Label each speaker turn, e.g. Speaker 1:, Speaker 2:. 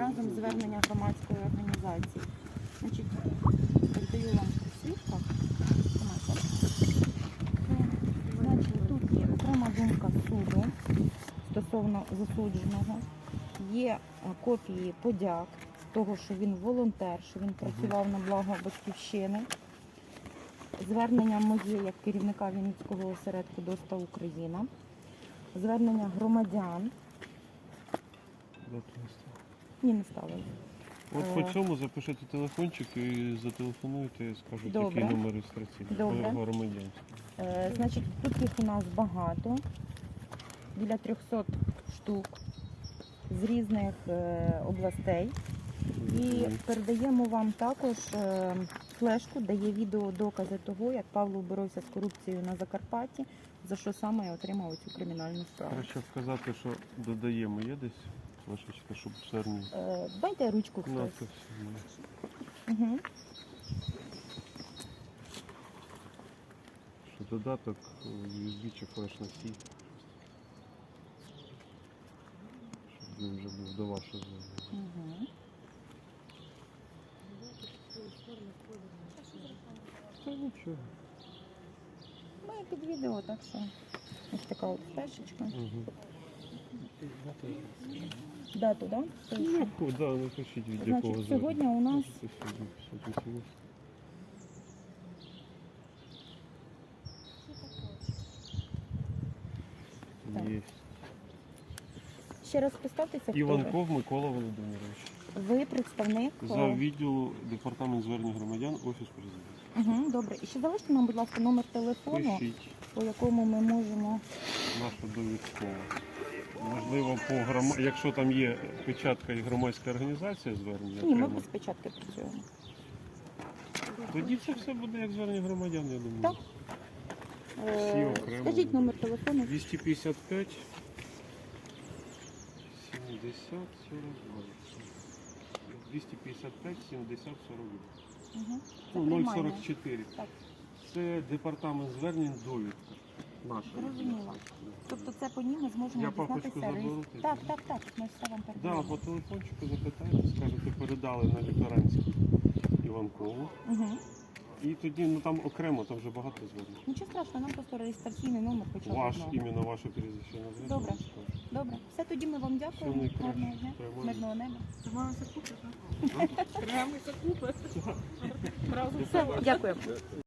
Speaker 1: разом звернення громадської організації. Значить, передаю вам свідка. Значить, тут є окрема думка суду стосовно засудженого. Є копії подяк того, що він волонтер, що він працював на благо Батьківщини. Звернення моє як керівника Вінницького осередку «ДОСТА Україна». Звернення громадян. Ні, не ставили.
Speaker 2: От по цьому запишете телефончик і зателефонуєте, і скажуть,
Speaker 1: Добре.
Speaker 2: який номер реєстраційний.
Speaker 1: Добре.
Speaker 2: Громадянський.
Speaker 1: Значить, тут їх у нас багато, біля 300 штук з різних областей. І передаємо вам також флешку, де є відеодокази того, як Павло боровся з корупцією на Закарпатті, за що саме я отримав цю кримінальну справу.
Speaker 2: Краще сказати, що додаємо. Є десь флешечка, щоб звернення?
Speaker 1: Дайте ручку
Speaker 2: На,
Speaker 1: хтось.
Speaker 2: це все.
Speaker 1: Угу.
Speaker 2: Що додаток USB чи флеш-носій. Щоб він вже був до вашого звернення.
Speaker 1: Угу.
Speaker 2: Та нічого.
Speaker 1: Ми під відео, так що ось така от флешечка.
Speaker 2: Угу.
Speaker 1: Дату, так?
Speaker 2: Ну, да, напишіть від якого
Speaker 1: Значить, сьогодні у нас
Speaker 2: є.
Speaker 1: ще раз представтеся, хто ви.
Speaker 2: Іванков Микола Володимирович.
Speaker 1: Ви представник.
Speaker 2: За відділу департамент звернень громадян, офіс президента.
Speaker 1: Угу, добре. І ще залиште нам, будь ласка, номер телефону,
Speaker 2: Пишіть
Speaker 1: по якому ми можемо.
Speaker 2: нашу довідкову. Можливо, якщо там є печатка і громадська організація звернення,
Speaker 1: Ні, ми
Speaker 2: окремо,
Speaker 1: без печатки працюємо.
Speaker 2: тоді це все буде як звернення громадян, я думаю.
Speaker 1: Так.
Speaker 2: Всі окремо.
Speaker 1: Скажіть номер телефону.
Speaker 2: 255 70 42. 255 70 42.
Speaker 1: Угу.
Speaker 2: Ну, 044.
Speaker 1: Так.
Speaker 2: Це департамент звернень довідка. Наша.
Speaker 1: Зрозуміло. Тобто це по ній ми зможемо
Speaker 2: Я папочку
Speaker 1: дізнатися.
Speaker 2: заберу.
Speaker 1: Так, так, так. Ми все вам
Speaker 2: Да,
Speaker 1: передаємо.
Speaker 2: по телефончику запитаєте, скажете, передали на літеранську Іванкову.
Speaker 1: Угу.
Speaker 2: І тоді, ну там окремо, там вже багато звернень.
Speaker 1: Нічого страшного, нам просто реєстраційний номер хоча б
Speaker 2: Ваш,
Speaker 1: одного.
Speaker 2: іменно ваше прізвище назвете.
Speaker 1: Добре.
Speaker 2: скажете.
Speaker 1: Добре. Все, тоді ми вам
Speaker 2: Все
Speaker 1: дякуємо.
Speaker 2: найкраще.
Speaker 1: Гарного дня.
Speaker 2: Тримаємо.
Speaker 1: Мирного неба.
Speaker 3: Тримаємося купи, так? Тримаємося купи.
Speaker 1: Все, дякуємо.